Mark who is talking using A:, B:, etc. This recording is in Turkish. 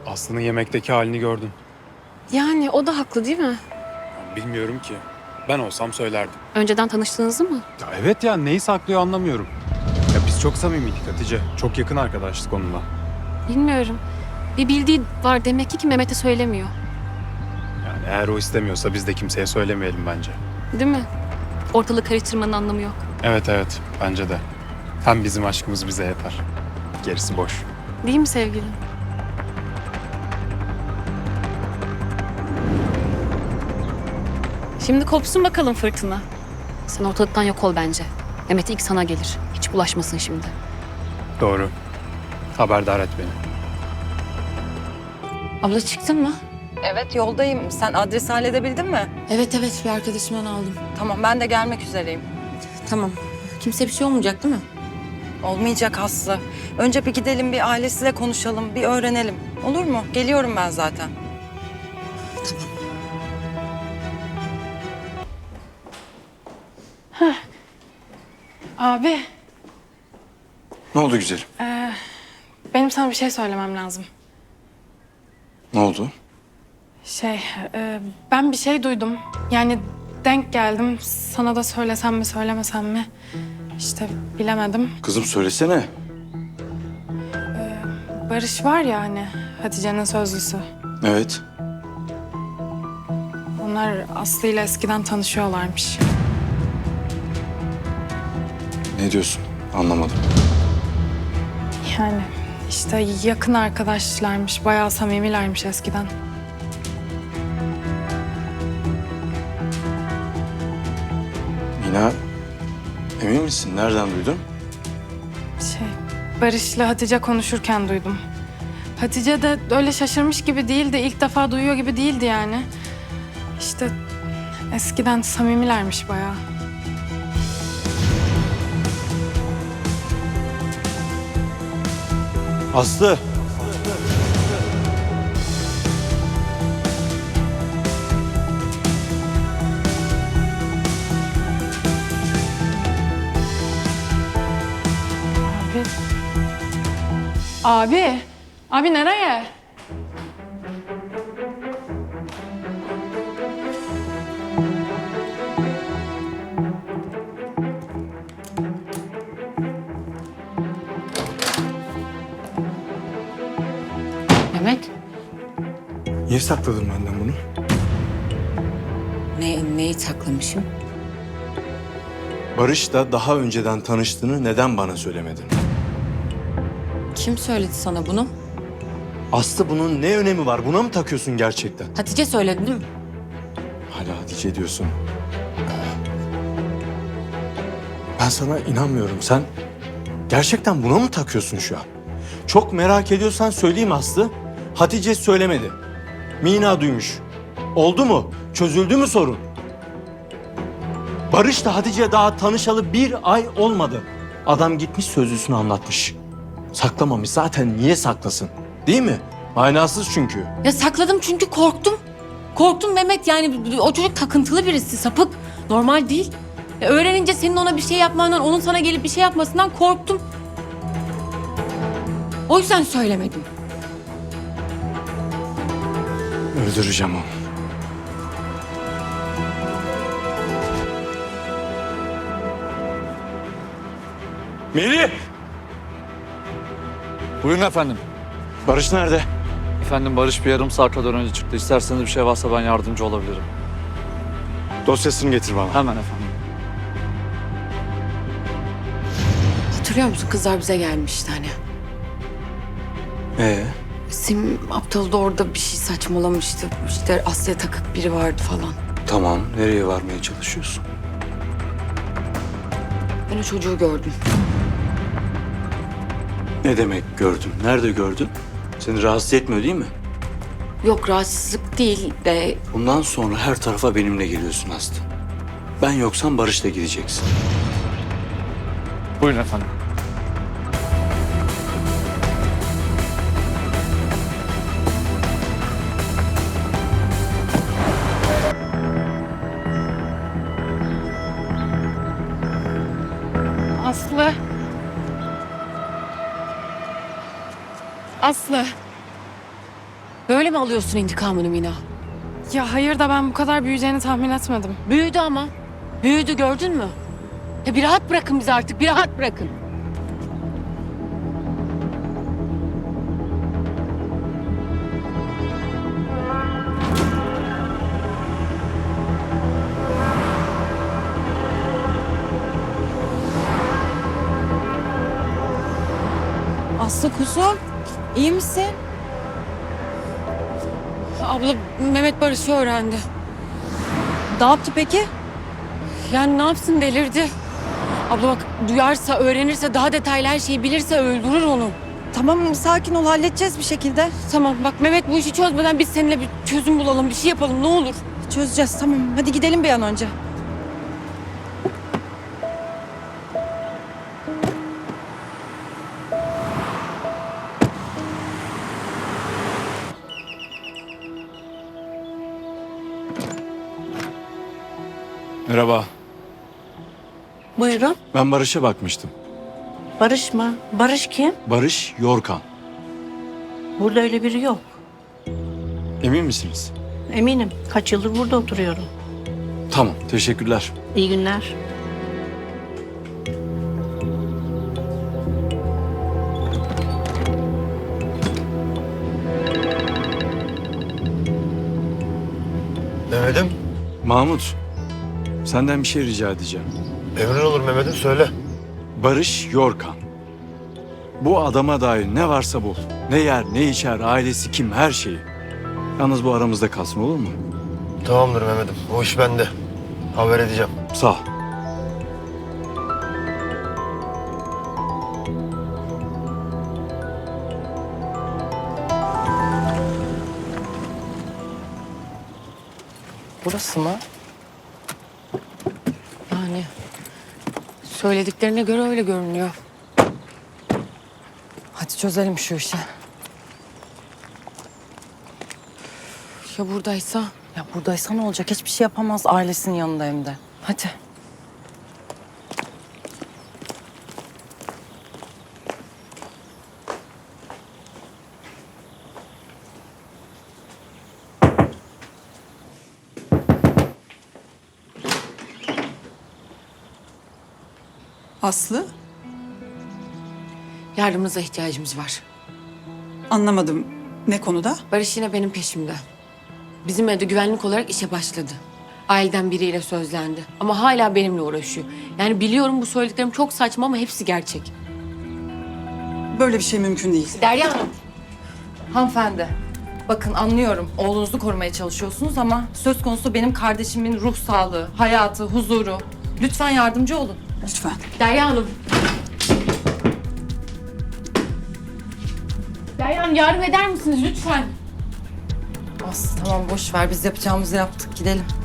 A: Aslı'nın yemekteki halini gördün.
B: Yani o da haklı değil mi?
A: Bilmiyorum ki. Ben olsam söylerdim.
B: Önceden tanıştığınızı mı?
A: Ya evet ya, neyi saklıyor anlamıyorum. Ya biz çok samimiydik Hatice. Çok yakın arkadaşlık onunla.
B: Bilmiyorum. Bir bildiği var demek ki Mehmet'e söylemiyor.
A: Yani eğer o istemiyorsa biz de kimseye söylemeyelim bence.
B: Değil mi? Ortalığı karıştırmanın anlamı yok.
A: Evet, bence de. Hem bizim aşkımız bize yeter. Gerisi boş.
B: Değil mi sevgilim? Şimdi kopsun bakalım fırtına. Sen ortalıktan yok ol bence. Mehmet ilk sana gelir. Hiç bulaşmasın şimdi.
A: Doğru. Haberdar et beni.
B: Abla çıktın mı?
C: Evet yoldayım. Sen adresi halledebildin mi?
D: Evet bir arkadaşımdan aldım.
C: Tamam ben de gelmek üzereyim.
D: Tamam. Kimse bir şey olmayacak değil mi?
C: Olmayacak Aslı. Önce bir gidelim bir ailesiyle konuşalım, bir öğrenelim. Olur mu? Geliyorum ben zaten.
E: Abi,
F: Ne oldu güzelim?
E: benim sana bir şey söylemem lazım.
F: Ne oldu?
E: Ben bir şey duydum. Yani denk geldim. Sana da söylesem mi, söylemesem mi? İşte bilemedim.
F: Kızım söylesene.
E: Barış var ya hani, Hatice'nin sözlüsü.
F: Evet.
E: Onlar Aslı ile eskiden tanışıyorlarmış.
F: Ne diyorsun? Anlamadım.
E: Yani işte yakın arkadaşlarmış, bayağı samimilermiş eskiden.
F: Mina, emin misin? Nereden duydun?
E: Barış'la Hatice konuşurken duydum. Hatice de öyle şaşırmış gibi değildi, ilk defa duyuyor gibi değildi yani. İşte eskiden samimilermiş bayağı.
F: Aslı.
E: Abi. Abi nereye?
D: Mehmet.
F: Niye sakladın benden bunu?
D: Neyi saklamışım?
F: Barış'la daha önceden tanıştığını neden bana söylemedin?
D: Kim söyledi sana bunu?
F: Aslı bunun ne önemi var? Buna mı takıyorsun gerçekten?
D: Hatice söyledi değil mi?
F: Hala Hatice diyorsun. Ben sana inanmıyorum. Sen gerçekten buna mı takıyorsun şu an? Çok merak ediyorsan söyleyeyim Aslı. Hatice söylemedi. Mina duymuş. Oldu mu? Çözüldü mü sorun? Barış da Hatice daha tanışalı 1 ay olmadı. Adam gitmiş sözlüsünü anlatmış. Saklamamış zaten, niye saklasın? Değil mi? Manasız çünkü.
D: Ya sakladım çünkü korktum. Korktum Mehmet, yani o çocuk takıntılı birisi, sapık. Normal değil. Öğrenince senin ona bir şey yapmandan, onun sana gelip bir şey yapmasından korktum. O yüzden söylemedim.
F: Öldüreceğim onu. Melih!
G: Buyurun efendim.
F: Barış nerede?
G: Efendim Barış bir yarım saat kadar önce çıktı. İsterseniz bir şey varsa ben yardımcı olabilirim.
F: Dosyasını getir bana.
G: Hemen efendim.
D: Hatırlıyor musun, kızlar bize gelmişti hani. Sim aptal da orada bir şey saçmalamıştı. İşte Aslı'ya takık biri vardı falan.
F: Tamam, nereye varmaya çalışıyorsun?
D: Ben o çocuğu gördüm.
F: Ne demek gördün? Nerede gördün? Seni rahatsız etmiyor değil mi?
D: Yok, rahatsızlık değil de
F: Bundan sonra her tarafa benimle geliyorsun Aslı. Ben yoksam Barış'la gideceksin.
G: Buyurun efendim.
E: Aslı. Aslı.
D: Böyle mi alıyorsun intikamını Mina?
E: Ya hayır da ben bu kadar büyüyeceğini tahmin etmedim.
D: Büyüdü ama. Büyüdü, gördün mü? Ya bir rahat bırakın bizi artık, bir rahat bırakın.
C: Aslı kuzum, iyi misin?
D: Abla, Mehmet Barış'ı öğrendi.
C: Ne yaptı peki?
D: Yani ne yapsın, delirdi. Abla bak, duyarsa, öğrenirse, daha detaylı her şeyi bilirse öldürür onu.
C: Tamam, sakin ol, halledeceğiz bir şekilde.
D: Tamam bak, Mehmet bu işi çözmeden biz seninle bir çözüm bulalım, bir şey yapalım ne olur.
C: Çözeceğiz, tamam. Hadi gidelim bir an önce.
F: Merhaba.
H: Buyurun.
F: Ben Barış'a bakmıştım.
H: Barış mı? Barış kim?
F: Barış Yorkan.
H: Burada öyle biri yok.
F: Emin misiniz?
H: Eminim. Kaç yıldır burada oturuyorum.
F: Tamam, teşekkürler.
H: İyi günler.
I: Mehmet'im,
F: Mahmut, senden bir şey rica edeceğim.
I: emrin olur Mehmet'im söyle.
F: Barış Yorkan. Bu adama dair ne varsa bul. Ne yer, ne içer, ailesi kim, her şeyi. Yalnız bu aramızda kalsın, olur mu?
I: Tamamdır Mehmet'im, o iş bende. Haber edeceğim.
F: Sağ ol.
C: Burası mı?
D: Yani söylediklerine göre öyle görünüyor.
C: Hadi çözelim şu işi.
D: Ya buradaysa?
C: Ya buradaysa ne olacak? Hiçbir şey yapamaz, ailesinin yanında hem de. Hadi.
J: Aslı,
D: Yardımınıza ihtiyacımız var.
J: anlamadım. Ne konuda?
D: Barış yine benim peşimde. Bizim evde güvenlik olarak işe başladı. Aileden biriyle sözlendi. Ama hala benimle uğraşıyor. Yani biliyorum bu söylediklerim çok saçma ama hepsi gerçek.
J: Böyle bir şey mümkün değil.
D: Derya Hanım.
C: Hanımefendi, bakın anlıyorum. Oğlunuzu korumaya çalışıyorsunuz ama söz konusu benim kardeşimin ruh sağlığı, hayatı, huzuru. Lütfen yardımcı olun.
J: Lütfen.
D: Derya Hanım. Derya Hanım yardım eder misiniz lütfen?
C: Aslı tamam boş ver, biz yapacağımızı yaptık, gidelim.